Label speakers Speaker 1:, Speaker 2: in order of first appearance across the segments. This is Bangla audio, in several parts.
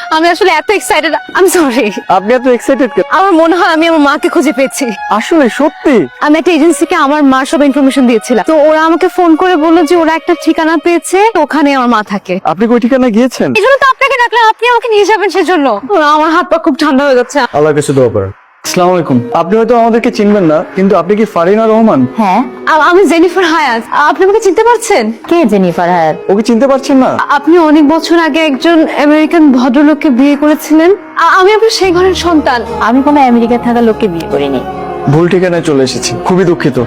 Speaker 1: আমি আসলে এত এক্সাইটেড, আমি সরি।
Speaker 2: আপনি এত এক্সাইটেড কেন?
Speaker 1: আমার মনে হয় আমি আমার মাকে খুঁজে পেয়েছি।
Speaker 2: আসলে সত্যি?
Speaker 1: আমি একটা এজেন্সিকে আমার মার সব ইনফরমেশন দিয়েছিলাম, তো ওরা আমাকে ফোন করে বললো যে ওরা একটা ঠিকানা পেয়েছে, ওখানে আমার মা থাকে।
Speaker 2: আপনি কই ঠিকানা গিয়েছেন?
Speaker 1: এই জন্য তো আপনাকে ডাকলাম, আপনি আমাকে নিয়ে যাবেন সেজন্য। আমার হাত পা খুব ঠান্ডা হয়ে যাচ্ছে।
Speaker 2: আল্লাহ কাছে দোয়া করেন। আসসালামু আলাইকুম। আপনি হয়তো আমাদেরকে চিনবেন না, কিন্তু আপনি কি ফারিনা রহমান?
Speaker 3: হ্যাঁ,
Speaker 1: আমি জেনিফার হায়াত। আপনি আমাকে চিনতে পারছেন?
Speaker 3: কে জেনিফার হায়াত?
Speaker 2: ওকে চিনতে পারছেন না?
Speaker 1: আপনি অনেক বছর আগে একজন আমেরিকান ভদ্রলোককে বিয়ে করেছিলেন। আমি আপনার সেই ঘরের সন্তান।
Speaker 3: আমি কোনো আমেরিকায় থাকা লোককে বিয়ে করিনি।
Speaker 2: ভুল ঠিকানায় চলে এসেছি, খুবই দুঃখিত।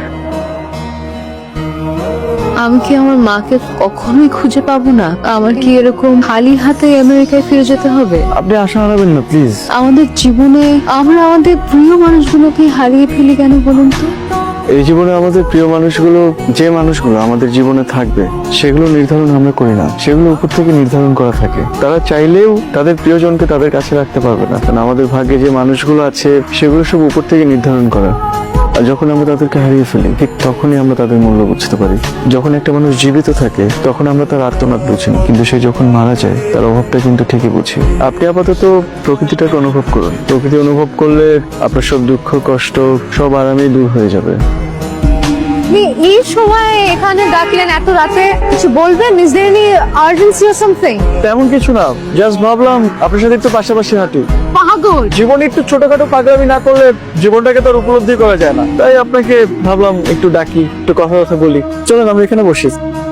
Speaker 1: আমি কি আমার মাকে কখনোই খুঁজে পাবো না? আমার কি এরকম খালি হাতে আমেরিকায় ফিরে যেতে হবে?
Speaker 2: আপনি আশা হারাবেন না প্লিজ।
Speaker 1: আমাদের জীবনে আমরা আমাদের প্রিয় মানুষগুলোকে হারিয়ে ফেলি কেন বলুন তো?
Speaker 2: এই জীবনে আমাদের প্রিয় মানুষগুলো, যে মানুষগুলো আমাদের জীবনে থাকবে, সেগুলো নির্ধারণ আমরা করি না, সেগুলো উপর থেকে নির্ধারণ করা থাকে। তারা চাইলেও তাদের প্রিয়জনকে তাদের কাছে রাখতে পারবে না, কারণ আমাদের ভাগ্যে যে মানুষগুলো আছে সেগুলো সব উপর থেকে নির্ধারণ করা। আর যখন আমরা তাদেরকে হারিয়ে ফেলি, ঠিক তখনই আমরা তাদের মূল্য বুঝতে পারি। যখন একটা মানুষ জীবিত থাকে তখন আমরা তার আর্তনাদ বুঝি না, কিন্তু সে যখন মারা যায় তার অভাবটা কিন্তু ঠিকই বুঝি। আপনি আপাতত প্রকৃতিটাকে অনুভব করুন। প্রকৃতি অনুভব করলে আপনার সব দুঃখ কষ্ট সব আরামেই দূর হয়ে যাবে।
Speaker 1: আপনি এই সময় এখানে ডাকলেন এত রাতে, কিছু বলবেন? Is there any urgency or something?
Speaker 2: তেমন কিছু না, জাস্ট ভাবলাম আপনার সাথে একটু পাশাপাশি হাঁটি।
Speaker 1: পাগল!
Speaker 2: জীবনে একটু ছোটখাটো পাগলামি না করলে জীবনটাকে তো আর উপলব্ধি করা যায় না, তাই আপনাকে ভাবলাম একটু ডাকি, একটু কথা বলি। চলুন আমরা এখানে বসি।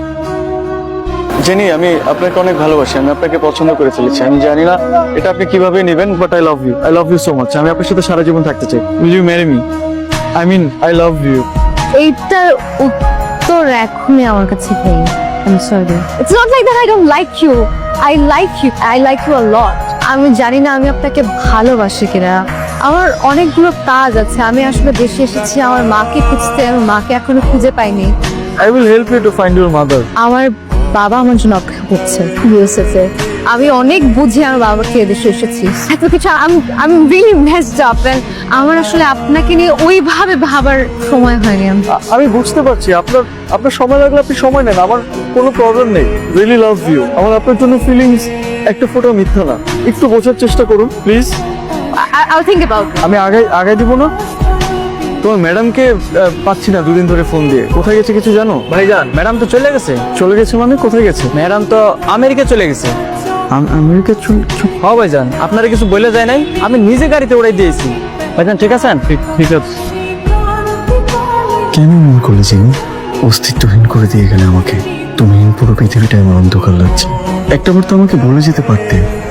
Speaker 2: জেনি, আমি আপনাকে অনেক ভালোবাসি, আমি আপনাকে পছন্দ করে ফেলেছি। আমি জানি না এটা আপনি কিভাবে নেবেন, but I love you, I love you so much. আমি আপনার সাথে সারা জীবন থাকতে চাই। Will you marry me? I mean I love you.
Speaker 1: এইটার উত্তর এখনই আমার কাছে নেই। I am sorry. It's not like that I don't like you. I like you, I like you a lot. আমি জানি না আমি আপনাকে ভালোবাসি কিনা। আমার অনেকগুলো কাজ আছে, আমি আসলে দেশে এসেছি আমার মাকে খুঁজতে। আমার মাকে এখনো খুঁজে পাইনি।
Speaker 2: I will help you to find your mother.
Speaker 1: আমার বাবা আমার জন্য অপেক্ষা করছে ইউএসএ। আমি অনেক বুঝে আমার বাবাকে এদেশে এসেছি, এত কিছু। আমি রিয়েলি মেসড আপ। আমার আসলে আপনাকে নিয়ে ওইভাবে ভাবার সময় হয়নি।
Speaker 2: আমি বুঝতে পারছি আপনার সময় লাগলে আপনি সময় নেন, আমার কোনো প্রবলেম নেই। Really love you. আমার আপনার জন্য ফিলিংস একটা ফোঁটা মিথ্যা না। একটু বোঝার চেষ্টা করুন please.
Speaker 1: I'll think about it.
Speaker 2: আমি আগে দিব না। তোমার ম্যাডামকে পাচ্ছি না দুদিন ধরে ফোন দিয়ে। কোথায় গেছে কিছু জানো?
Speaker 4: ভাইজান, ম্যাডাম তো চলে গেছে।
Speaker 2: চলে গেছে মানে? কোথায় গেছে?
Speaker 4: ম্যাডাম তো আমেরিকা চলে গেছে।
Speaker 2: আমেরিকা?
Speaker 4: হ্যাঁ ভাইজান, আপনারা কিছু বলে যায় নাই, আমি নিজে গাড়িতে উড়াই দিয়েছি। ভাইজান ঠিক আছেন?
Speaker 2: ঠিক আছে। কেন মন করলে জিনি? অস্তিত্বহীন করে দিয়ে গেলে আমাকে। তুমি পুরো পৃথিবীটাই আমার অন্ধকার লাগছে। একটা বার তো আমাকে বলে যেতে পারতে